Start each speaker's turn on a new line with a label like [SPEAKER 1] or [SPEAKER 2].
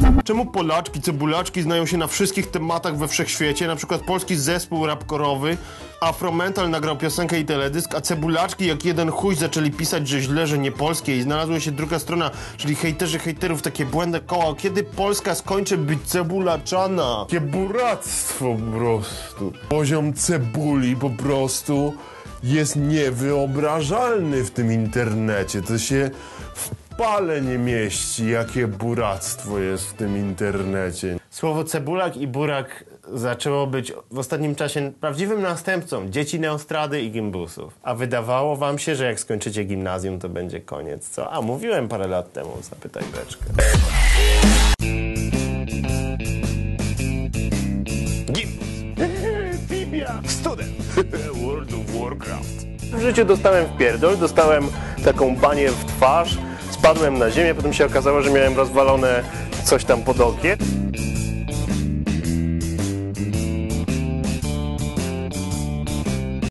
[SPEAKER 1] Czemu Polaczki, cebulaczki znają się na wszystkich tematach we wszechświecie? Na przykład polski zespół rapkorowy Afromental nagrał piosenkę i teledysk, a cebulaczki jak jeden chuj zaczęli pisać, że źle, że nie polskie i znalazła się druga strona, czyli hejterzy hejterów, takie błędne koła. Kiedy Polska skończy być cebulaczana? Takie buractwo po prostu. Poziom cebuli po prostu jest niewyobrażalny w tym internecie. To się w pale nie mieści, jakie buractwo jest w tym internecie. Słowo cebulak i burak zaczęło być w ostatnim czasie prawdziwym następcą dzieci Neostrady i gimbusów. A wydawało wam się, że jak skończycie gimnazjum, to będzie koniec, co? A mówiłem parę lat temu, zapytaj beczkę. Gimbus. Fibia. Student. World of Warcraft. W życiu dostałem wpierdol, dostałem taką banię w twarz, spadłem na ziemię, potem się okazało, że miałem rozwalone coś tam pod okiem.